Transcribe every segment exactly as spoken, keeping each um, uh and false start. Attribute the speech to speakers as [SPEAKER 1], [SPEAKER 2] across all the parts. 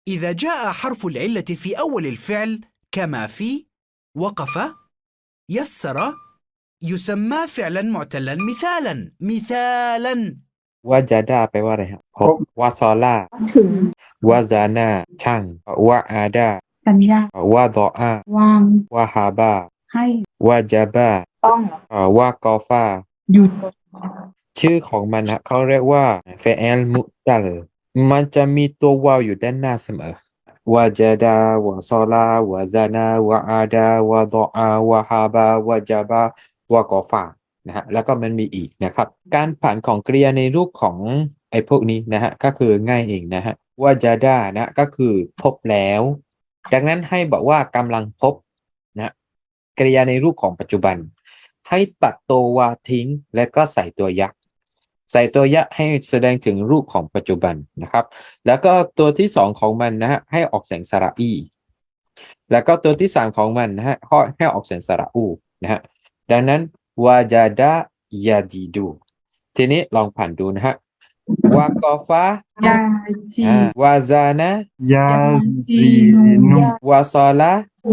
[SPEAKER 1] إذا جاء حرف العلة في أول الفعل كما في وقف يسر يسمى فعلا معتلا مثالا مثالا
[SPEAKER 2] วาจาดาแปลว่าอะไรครับพบวาซอล่า
[SPEAKER 3] ถึง
[SPEAKER 2] วาซานาช่างวาอาดา
[SPEAKER 3] สัญญาว
[SPEAKER 2] าดออาว
[SPEAKER 3] าง
[SPEAKER 2] วาฮาบา
[SPEAKER 3] ให้
[SPEAKER 2] วาจาบา
[SPEAKER 3] ต้องเหรอ
[SPEAKER 2] เอ่อวากอฟา
[SPEAKER 3] หยุด
[SPEAKER 2] ชื่อของมันนะเขาเรียกว่าเฟเอลมุตัลมันจะมีตัววาวอยู่ด้านหน้าเสมอวาจาดาวาซอลาวาซานาวาอาดาวาดออาวาฮาบาวาจาบาวากอฟานะฮะแล้วก็มันมีอีกนะครับการผ่านของกริยาในรูปของไอ้พวกนี้นะฮะก็คือง่ายเองนะฮะวาจาดานะก็คือพบแล้วดังนั้นให้บอกว่ากำลังพบนะกริยาในรูปของปัจจุบันให้ตัดตัววาทิ้งและก็ใส่ตัวยักษ์ใส่ตัวยะให้แสดงถึงรูปของปัจจุบันนะครับแล้วก็ตัวที่สองของมันนะฮะให้ออกเสียงสระอีแล้วก็ตัวที่สามของมันนะฮะให้ออกเสียงสระอูนะฮะดังนั้นวาจาดายาดีดูทีนี้ลองผ่านดูนะฮะวากอฟาย
[SPEAKER 3] าจี
[SPEAKER 2] อ่าวาซานะ
[SPEAKER 4] ยาซีนุ
[SPEAKER 2] วาซอลาย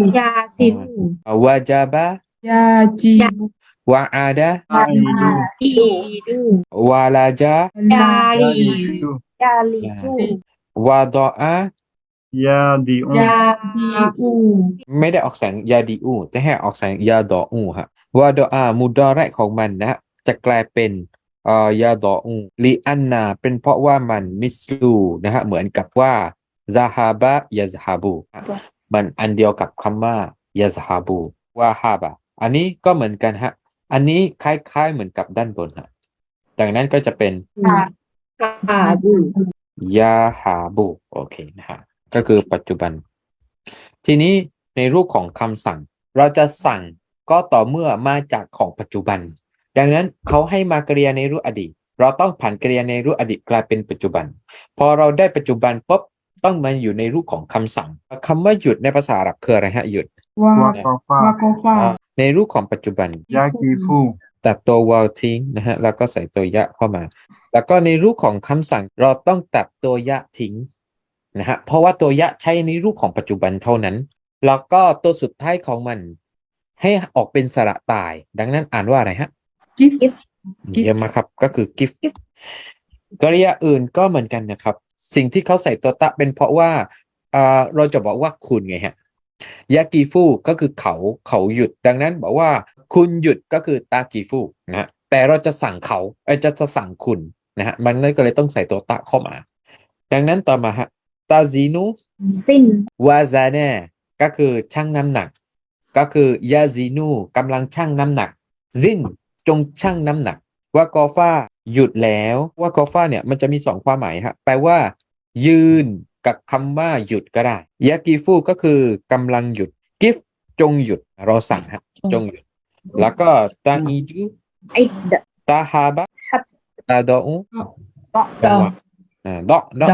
[SPEAKER 3] าซิน
[SPEAKER 2] วาจาบาย
[SPEAKER 3] าจี
[SPEAKER 2] วาอาดา
[SPEAKER 3] ยาอีดู
[SPEAKER 2] วาลาจาย
[SPEAKER 3] าลี
[SPEAKER 4] ดู
[SPEAKER 3] ยาลีจู
[SPEAKER 2] วาดออา
[SPEAKER 4] ยาดีอุ
[SPEAKER 3] ยาดีอู
[SPEAKER 2] ไม่ได้ออกเสียงยาดีอูแต่ให้ออกเสียงยาดออูฮะวาดออามุดอเราะห์ของมันนะฮะจะกลายเป็นเอ่อยาดออูลีอันนาเป็นเพราะว่ามันมิสลูนะฮะเหมือนกับว่าซาฮาบะยาซฮาบูมันอันเดียวกับคำว่ายาซฮาบูวาฮาบะอันนี้ก็เหมือนกันฮะอันนี้คล้ายๆเหมือนกับด้านบนฮะดังนั้นก็จะเป็น
[SPEAKER 3] ฮาบู
[SPEAKER 2] ยาฮาบูโอเคนะฮะก็คือปัจจุบันทีนี้ในรูปของคำสั่งเราจะสั่งก็ต่อเมื่อมาจากของปัจจุบันดังนั้นเขาให้มากริยาในรูปอดีตเราต้องผ่านกริยาในรูปอดีตกลายเป็นปัจจุบันพอเราได้ปัจจุบันปุ๊บต้องมาอยู่ในรูปของคำสั่งคำว่าหยุดในภาษาอาหรับคืออะไรฮะหยุด
[SPEAKER 3] วาว
[SPEAKER 4] ากอฟาว
[SPEAKER 3] ากอฟา
[SPEAKER 2] ในรูปของปัจจุบัน
[SPEAKER 4] ยากีฟู
[SPEAKER 2] ตัดตัววาวทิ้งนะฮะแล้วก็ใส่ตัวยะเข้ามาแล้วก็ในรูปของคำสั่งเราต้องตัดตัวยะทิ้งนะฮะเพราะว่าตัวยะใช้ในรูปของปัจจุบันเท่านั้นแล้วก็ตัวสุดท้ายของมันให้ออกเป็นสระตายดังนั้นอ่านว่าอะไรฮะ
[SPEAKER 3] กิฟ
[SPEAKER 2] เยี่ยมมากครับก็คือ gift กริยาอื่นก็เหมือนกันนะครับสิ่งที่เขาใส่ตัวตะเป็นเพราะว่าอ่าเราจะบอกว่าคุณไงฮะยากีฟูก็คือเขาเขาหยุดดังนั้นบอกว่าคุณหยุดก็คือตากีฟูนะฮะแต่เราจะสั่งเขาเอ้ยจะจะสั่งคุณนะฮะมันก็เลยต้องใส่ตัวตะเข้ามาดังนั้นต่อมาฮะตาซีนู
[SPEAKER 3] สิ้น
[SPEAKER 2] วาซาเน่ก็คือชั่งน้ำหนักก็คือยาซีนูกำลังชั่งน้ำหนักซินจงชั่งน้ำหนักวากอฟาหยุดแล้ววากอฟาเนี่ยมันจะมีสองความหมายฮะแปลว่ายืนกับคำว่าหยุดก็ได้ยากีฟูก็คือกำลังหยุดกิฟจงหยุดเราสั่งฮะจงหยุดแล้วก็ตาอีดู
[SPEAKER 3] ไอเด
[SPEAKER 2] ตาฮาบะตาดออู
[SPEAKER 3] ดอ
[SPEAKER 2] อ่าดอดอ